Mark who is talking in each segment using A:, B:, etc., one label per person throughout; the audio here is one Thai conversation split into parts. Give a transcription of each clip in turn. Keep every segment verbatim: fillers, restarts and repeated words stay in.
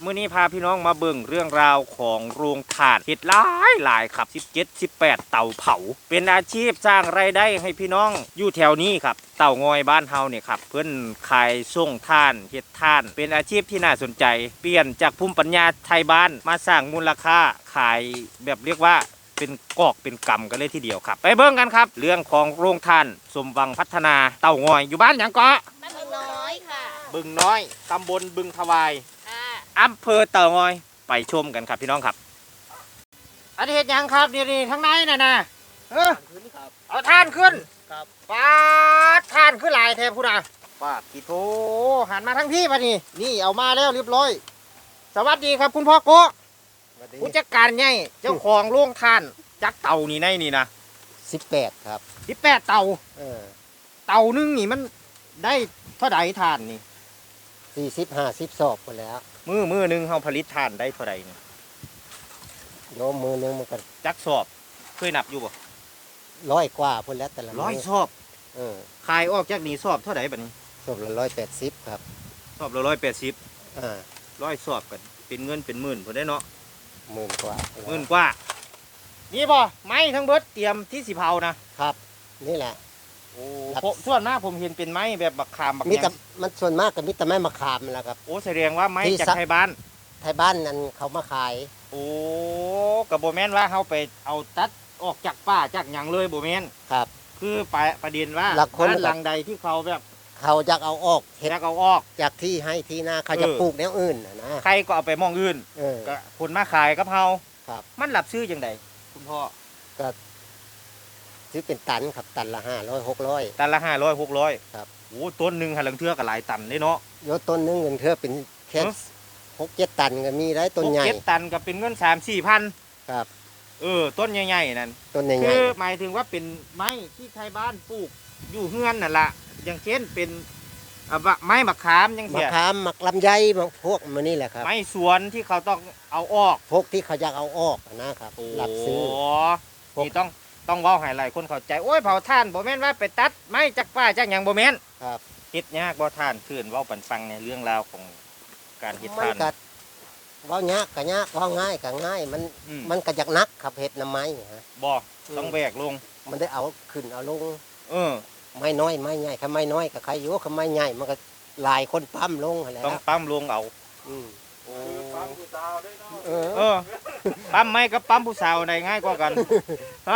A: มื้อนี้พาพี่น้องมาเบิ่งเรื่องราวของโรงถ่านเฮ็ดหลายหลายครับสิบเจ็ด สิบแปดเตาเผาเป็นอาชีพสร้างรายได้ให้พี่น้องอยู่แถวนี้ครับเต่างอยบ้านเฮาเนี่ยครับเพิ่นขายส่งท่านเฮ็ดท่านเป็นอาชีพที่น่าสนใจเปลี่ยนจากภูมิปัญญาไทยบ้านมาสร้างมูลค่าขายแบบเรียกว่าเป็นกอกเป็นกำกันเลยทีเดียวครับไปเบิ่งกันครับเรื่องของโรงท่านสมวังพัฒนาเต่างอยอยู่บ้านหยังเกาะ
B: บ้านบึงน้อยค่ะ
A: บึงน้อยตำบลบึงทวาย
B: ค่ะ
A: อำเภอเต่างอยไปชมกันครับพี่น้องครับอันนี้เห็ดยังครับนี่นี่ทั้งในน่ะนะเออเอาท่านขึ้น
C: ครับ
A: ปาดท่านขึ้นหลายแทบพูดอ่ะปาดกี่โถหันมาทั้งพี่ปะนี่นี่เอามาแล้วเรียบร้อยสวัสดีครับคุณพ่อโกะผู้จัดการใหญ่เจ้าของโรงท่านจักเต่านี่ในนี่นะ
C: สิบแปดครับ
A: สิบแปดเต่า
C: เออ
A: เต่านึงนี่มันได้เท่าใดท่านนี่
C: สี่สิบห้าสิบสอบหมดแล้ว
A: มือมือหนึงเฮาผลิตท่านได้เท่าใดนี่
C: โยมมือนึงมันก็
A: จักสอบเคยนับอยู่บ่
C: ร้อยกว่าพุ่นแล้วแต่ละ
A: ร้อย
C: มื้
A: สอบ
C: เออ
A: ขายออกจากนี้สอบเท่าไหร่บัดนี้
C: สอบละร้อยแปดสิบครับ
A: สอบละร้อยแปดสิบ
C: อ่า
A: ร้อยสอบกันเป็นเงินเป็นหมื่นพอได้เนาะ
C: หมื่นกว่า
A: หมื่นกว่านี่บ่ไม้ทั้งเบิดเตรียมที่สิเผานะครับ
C: นี่แหละ
A: โอ้
C: ครับ
A: ผมส่วนมากผมเห็นเป็นไม้แบบบักขามบัก
C: มี
A: หยั
C: แต่
A: ง
C: มันส่วนมากกับมิตรไม้มะขามนั่นแหละครับ
A: โอ้แสดงว่าไม้
C: ที่
A: จาก
C: ซัก
A: ไทยบ้าน
C: ไทยบ้านนั้นเขามาขาย
A: โอ้กับโบแมนว่าเขาไปเอาตัดออกจากป่าจากหยังเลยโบแมน
C: ครับ
A: คือไปประเด็นว่า
C: หลักคน
A: บ้านหลังใดที่เขาแบบ
C: เขาจะเอาออกเห็ด
A: อยากเอาออก
C: จากที่ให้ที่นาเขาจะ
A: เออ
C: ปลูกแนวอื่นน่ะนะ
A: ใครก็เอาไปมองอื่น
C: เออ
A: ก็คนมาขายกับเฮา
C: ครับ
A: มันหลับซื้อจังไดคุณพ่อ
C: ซื้อเป็นตันครับตันละห้าร้อยหกร้อย
A: ตันละห้าร้อยหกร้อย
C: ครับ
A: โอ้ต้นหนึ่งหันหลังเทือกับหลายตันเลยเนาะ
C: โยต้นนึงเงินเธอเป็นแค่
A: เอ้อ
C: หกเจ็ดตันก็มีได้ต้นใหญ่
A: หกเจ็ดตันก็เป็นเงินสามสี่พัน
C: ครับ
A: เออต้นใหญ่ๆนั่น
C: ต้นใหญ่
A: คือหมายถึงว่าเป็นไม้ที่ไทยบ้านปลูกอยู่เฮือนนั่นละอย่างเช่นเป็นอ่ะบะไม้มะขามยัง
C: ๆมะ
A: เสีย
C: ขามมะลำไยมะพวกมันนี่แหละครับ
A: ไม้สวนที่เขาต้องเอาออก
C: พวกที่เขาอยากเอาออกนะครับหลักซื้อ
A: โนี่ต้องต้องเว้าให้หลายคนเข้าใจโอ้ยเผาท่านบ่แม่นว่าไปตัดไม้จากป่าจากหยังบ่แม่น
C: ครับ
A: เฮ็ดยากบ่ท่านคืนเว้าปันฟังในเรื่องราวของการเฮ็ด
C: มัน
A: ท่าน
C: ก็เว่ายากก็ยากเว่าง่ายก็ง่ายมัน
A: อืม
C: มันก็อยากนักครับเห็ดน้ำไม้ฮะ
A: บ่ต้องแบกลง
C: มันได้เอาขึ้นเอาลง
A: เออ
C: ไม้น้อยไม้ใหญ่ถ้าไม้น้อยก็ใครอยู่ถ้าไม้ใหญ่มันก็หลายคนปั้มลงหั่นแหล้ว
A: ต้องปั๊มลงเอา
C: อืม
A: โอ้
C: เออ
A: เออปั๊มไม้กับปั๊มผู้สาวใดง่ายกว่ากันฮะ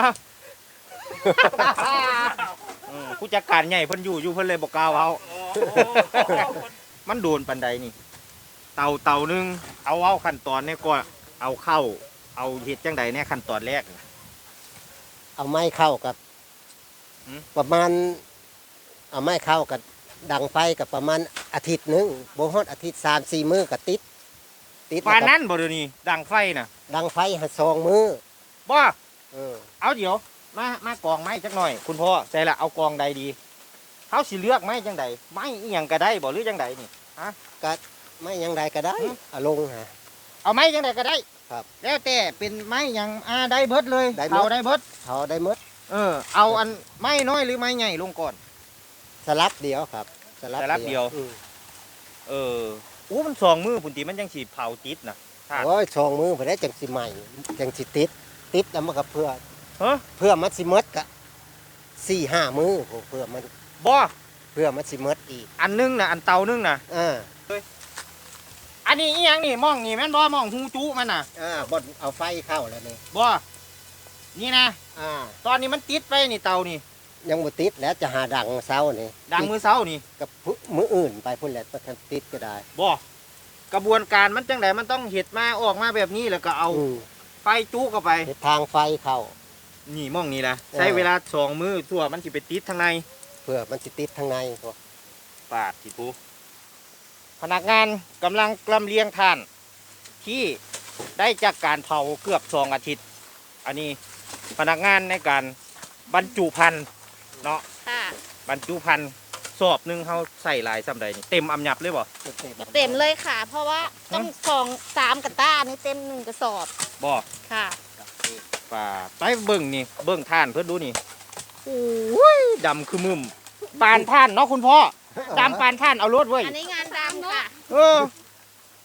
A: อืมผู้จัดการใหญ่เพิ่นอยู่อยู่เพิ่นเลยบอกกล่าวเอามันโดนปันใดนี่ เต่าเต่าหนึงเอาเอาขั้นตอนเนี่ยก็เอาเข้า เอาเฮ็ดจังใดเนี่ยขั้นตอนแรกน่ะ
C: เอาไม้เข้ากับ
A: หืม
C: ประมาณ เอาไม้เข้ากับดังไฟกับประมาณอาทิตย์หนึงบ่ฮอดอาทิตย์สามสี่มื้อก็ติด ติด
A: ปาน
C: แล้วก็
A: นั้นบ่เดี๋ยวนี้ดังไฟน่ะ
C: ดังไฟให้สองมื้อ
A: บ่
C: เออ
A: เอาเดี๋ยว มามากองไม้จักหน่อย คุณพ่อใจละเอากองใดดีเขาสิเลือกไม้จังใดไม้อีหยังก็ได้บ่หรือจังใดนี่
C: ก็ไม่ยังใดก็ได้
A: หืม
C: เอาลงฮะ
A: เอาไม้จังใดก็ได้
C: ครับ
A: แล้วแต่เป็นไม้หยังอ่าได้เบิดเลย
C: ได้เบิด
A: เอาได้เบิด
C: เขาได้หมด
A: เออเอาอันไม้น้อยหรือไม้ใหญ่ลงก่อน
C: สลับเดียวครับ
A: สลับเดียว
C: อืม
A: เอออู้มันสองมือพุ่นตีมันยังสีเผาติดนะท่าน
C: โอ้ยชองมือพอได้จังสิใหม่จังสิติด ติดแล้วมันก็เพื่อ
A: เฮ้อ
C: เพื่อมันสิหมดกะสี่ห้ามือเพื่อมัน
A: บ่
C: เพื่อมันสิหมดอีก
A: อันนึงนะอันเตานึงนะ
C: อ่า
A: อันนี้อีหยังนี่มองนี่แม่นบ่มองหูจุมันน่ะ
C: อ่าบดเอาไฟเข้าแล้วนี่
A: บ่นี่นะ
C: อ่า
A: ตอนนี้มันติดไปนี่เตานี่
C: ยังบ่ติดแล้วจะหาดังเสานี่
A: ดังมือเสานี่
C: กับมืออื่นไปพุ่นแหละประทันติดก็ได้
A: บ่กระบวนการมันจังไดมันต้องเห็ดมาออกมาแบบนี้แล้วก็เอา
C: อืม
A: ไฟจุเข้าไป
C: เฮ็ดทางไฟเข้า
A: นี่มองนี่นะ
C: เออ
A: ใช้เวลาสองมือทั่วมันสิไปติดทางใน
C: เพื่อมันสิติดทางในพวก
A: ปาดที่ปูพนักงานกำลังกลำเลียงถ่าน ที่ได้จากการเผาเกือบสองอาทิตย์ อันนี้พนักงานในการบรรจุพันธุ์เนาะ
B: ค่ะ
A: บรรจุพันธุ์สอบหนึ่งเขาใส่หลายสำใดนี่เต็มอำยับเลยบ่
B: เต็มเลยค่ะ เพราะว่าต้องสองสามกระต้านี่เต็มหนึ่งกระสอบ
A: บ่
B: ค่ะ
A: ป่าไปเบิ่งนี่เบิ่งท่านเพื่อนดูนี่โอ้ยดำคือมึมปานท่านเนาะคุณพ่อดำปานท่านเอารถเว้ย
B: อันนี้งานดำค่ะ
A: เออ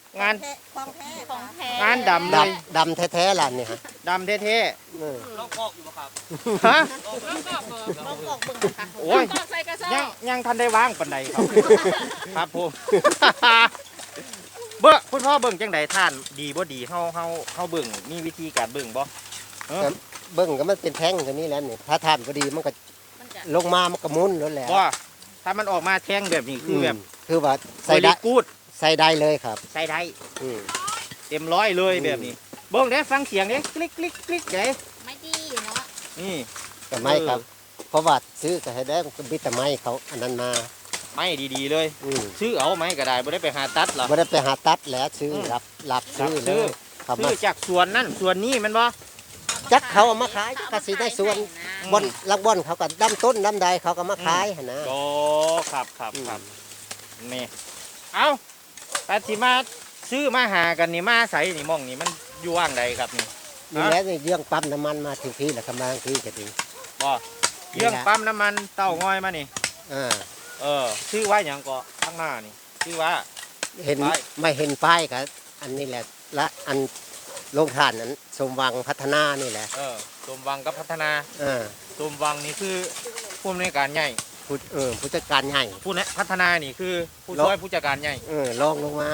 A: งาน
B: ของแท้ของแท้
A: งานดำเลย
C: ดำดำแท้ๆล่ะนี่ฮะ
A: ดำเท่
C: เออ
A: ๆฮะ
B: ลองกอกเบิ่งค่ะ
A: โอ้ย
B: กอกใส่กระสอ
A: ยัง
B: บ
A: ยังทันได้วางปันใดครับ ครับผม เบ้อคุณพ่อเบิ่งจังใดท่านดีบ่ดีเฮาเฮาเฮาเบิ่งมีวิธีการเบิ่งบ่เออ
C: เบิ่งก็มันเป็นแท่งตัวนี้แหล้วนี่ถ้าทานพอดีมันก็
B: มันจะ
C: ลงมามันก็หมุนแล้วแหละ
A: ว่าถ้ามันออกมาแท่งแบบนี้คือแบบ
C: มคือว่า
A: ใส่
C: ใส่
A: ได้
C: ได้
A: กูด
C: ใส่ได้เลยครับ
A: ใส่ได้
C: อืม
A: เต็มร้อยเลย
C: อืม
A: แบบนี้เบิ่งเด้ฟังเสียงเด้คลิกคลิกคลิกเด้
B: ไม่ดีเนาะ
A: นี่
C: แต่ไม่ครับ เพราะว่าซื้อก็ให้ได้มันก็บิดแต่ไม้เขาอันนั้นมา
A: ไม่ดีๆเลย
C: อืม
A: ซื้อเอาไหมก็ได้บ่ได้ไปหาตัดหรอก
C: ไม่ได้ไปหาตัดแล้วซื้อ
A: อืม
C: รับรับซื้อ
A: รับ
C: เล
A: ซื้อ
C: ยครับ
A: ซื้
C: มา
A: อจากสวนนั่นสวนนี้แมันบ่
C: จักเขาเอามาขายก็สิได้ส่วน
A: อืม
C: บอนลักบอนเขาก็ดำต้นดำใดเขาก็มาขายหั่นนะ
A: โอ้ครับครับ
C: อืม
A: ครับนี่เอาแต่ที่มาซื้อมาหากันนี่มาใส่นี่หมองนี่มันอยู่ว่างใดครับนี่
C: นี่แหละนี่เรื่องปั๊มน้ำมันมาถึงพี่แหละครับมาถึงพี่ก็ดี
A: บ่เรื่องปั๊มน้ำมันเต้างอยมานี่
C: อ่า
A: เออชื่อว่าอย่างก็ข้างหน้านี่ชื่อว่า
C: เห็น
A: ป้าย
C: ไม่เห็นป้ายครับอันนี้แหละและอันโรงทานนั้นสมวังพัฒนานี่แหละ
A: เออสมวังกับพัฒนา
C: อ่า
A: สมวังนี่คือผู้อำนวยการใหญ่
C: ผู้เออผู้จัดการใหญ่
A: ผู้นะพัฒนานี่คือผู้
C: แล้ว
A: ช่วยผู้จัดการใหญ่
C: เออลองลงมา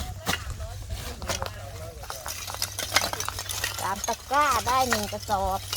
B: สามตะกร้าได้หนึ่งกระสอบ